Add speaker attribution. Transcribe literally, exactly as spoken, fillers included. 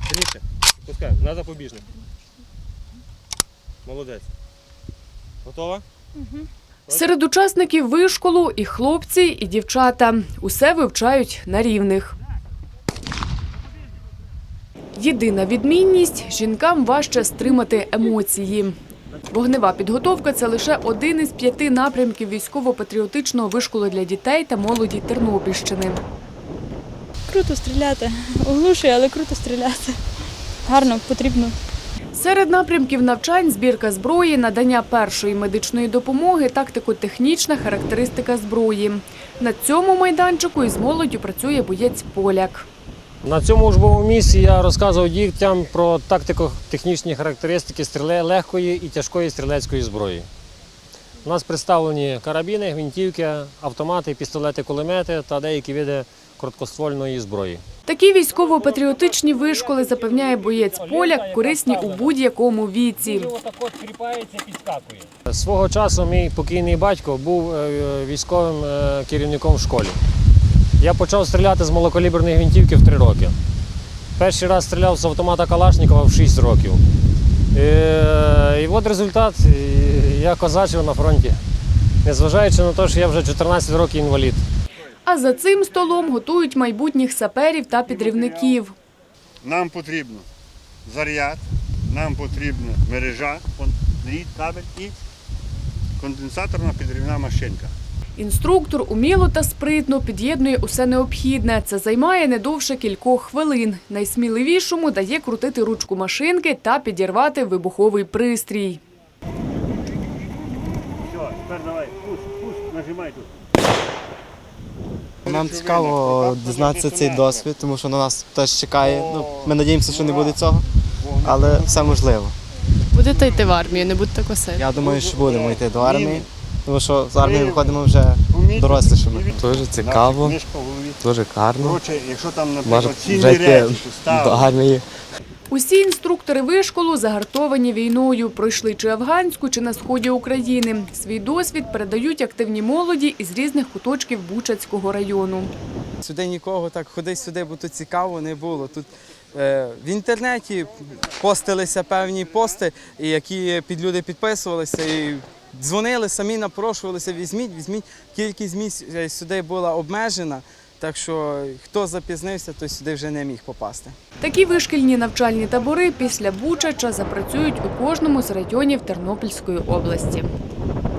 Speaker 1: Сильніше. Пускай, на запобіжник. Молодець. Готова?
Speaker 2: Угу.
Speaker 3: Серед учасників вишколу і хлопці, і дівчата. Усе вивчають на рівних. Єдина відмінність – жінкам важче стримати емоції. Вогнева підготовка – це лише один із п'яти напрямків військово-патріотичного вишколу для дітей та молоді Тернопільщини.
Speaker 2: Круто стріляти. Оглушує, але круто стріляти. Гарно, потрібно.
Speaker 3: Серед напрямків навчань – збірка зброї, надання першої медичної допомоги, тактико-технічна характеристика зброї. На цьому майданчику із молоддю працює боєць-поляк.
Speaker 4: На цьому учбовому місці я розказував дітям про тактико-технічні характеристики стріле легкої і тяжкої стрілецької зброї. У нас представлені карабіни, гвинтівки, автомати, пістолети, кулемети та деякі види короткоствольної зброї.
Speaker 3: Такі військово-патріотичні вишколи, запевняє боєць-поляк, корисні у будь-якому віці.
Speaker 4: Свого часу мій покійний батько був військовим керівником в школі. Я почав стріляти з малокаліберної гвинтівки в три роки. Перший раз стріляв з автомата Калашникова в шість років. І, і от результат, я козачив на фронті, незважаючи на те, що я вже чотирнадцять років інвалід.
Speaker 3: А за цим столом готують майбутніх саперів та підривників.
Speaker 5: Нам потрібно заряд, нам потрібна мережа, дріт, кабель і конденсаторна підривна машинка.
Speaker 3: Інструктор уміло та спритно під'єднує усе необхідне. Це займає не довше кількох хвилин. Найсміливішому дає крутити ручку машинки та підірвати вибуховий пристрій.
Speaker 5: Все, тепер давай, пуш, пуш, нажимай тут.
Speaker 6: Нам цікаво дізнатися цей досвід, тому що на нас теж чекає. Ну, ми сподіваємося, що не буде цього, але все можливо.
Speaker 7: Будете йти в армію, не будьте косити?
Speaker 6: Я думаю, що будемо йти до армії, тому що з армії виходимо вже дорослішими.
Speaker 8: Дуже цікаво, дуже гарно.
Speaker 5: Коротше, якщо там,
Speaker 8: Може
Speaker 5: наприклад,
Speaker 8: вже
Speaker 5: цінні
Speaker 8: йти
Speaker 5: речі
Speaker 8: до
Speaker 5: поставили.
Speaker 8: армії.
Speaker 3: Усі інструктори вишколу загартовані війною, пройшли чи афганську, чи на сході України. Свій досвід передають активні молоді із різних куточків Бучацького району.
Speaker 9: Сюди нікого так ходи сюди, бо тут цікаво не було. Тут е, в інтернеті постилися певні пости, які під люди підписувалися і дзвонили, самі напрошувалися, візьміть, візьміть. Кількість місць сюди була обмежена. Так що, хто запізнився, той сюди вже не міг попасти.
Speaker 3: Такі вишкільні навчальні табори після Бучача запрацюють у кожному з районів Тернопільської області.